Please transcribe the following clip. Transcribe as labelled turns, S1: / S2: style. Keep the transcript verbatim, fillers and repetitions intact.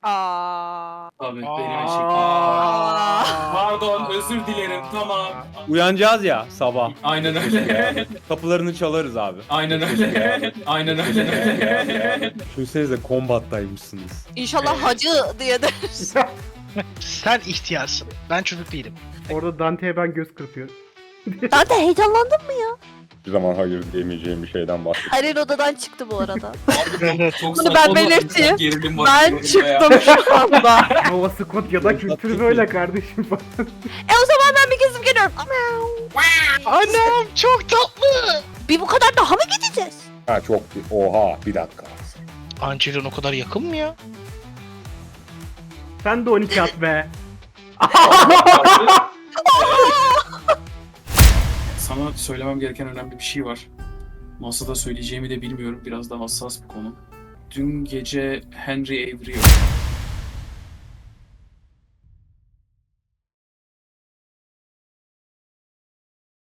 S1: Aa.
S2: Tabii
S3: Aa.
S2: benim eşim.
S1: Aa.
S2: Pardon, özür dilerim, tamam.
S4: Uyanacağız ya sabah.
S2: Aynen öyle.
S4: Kapılarını çalarız abi.
S2: Aynen öyle. Aynen öyle.
S4: Düşünsenize kombattaymışsınız.
S1: İnşallah
S2: Evet.
S1: hacı diye deriz.
S3: Sen ihtiyarsın. Ben çocuk değilim.
S5: Orada Dante'ye ben göz kırpıyorum.
S1: Ben de heyecanlandın mı ya?
S4: Bir zaman hayır diyemeyeceğim bir şeyden bahsediyorum.
S1: Halil odadan çıktı bu arada.
S2: Çok
S1: Bunu
S2: saçma
S1: ben
S2: oldu.
S1: belirteyim.
S2: Gerilim var.
S1: Ben çıktım şu anda.
S5: Nova Scotia'da kültür böyle kardeşim.
S1: E o zaman ben bir gezip geliyorum.
S3: Annem çok tatlı.
S1: Bir bu kadar daha mı gideceğiz?
S4: Ha çok oha bir dakika.
S3: Angelina o kadar yakın mı ya?
S5: Sen de on iki at be.
S2: Sana söylemem gereken önemli bir şey var. Masada söyleyeceğimi de bilmiyorum. Biraz da hassas bir konu. Dün gece Henry Avery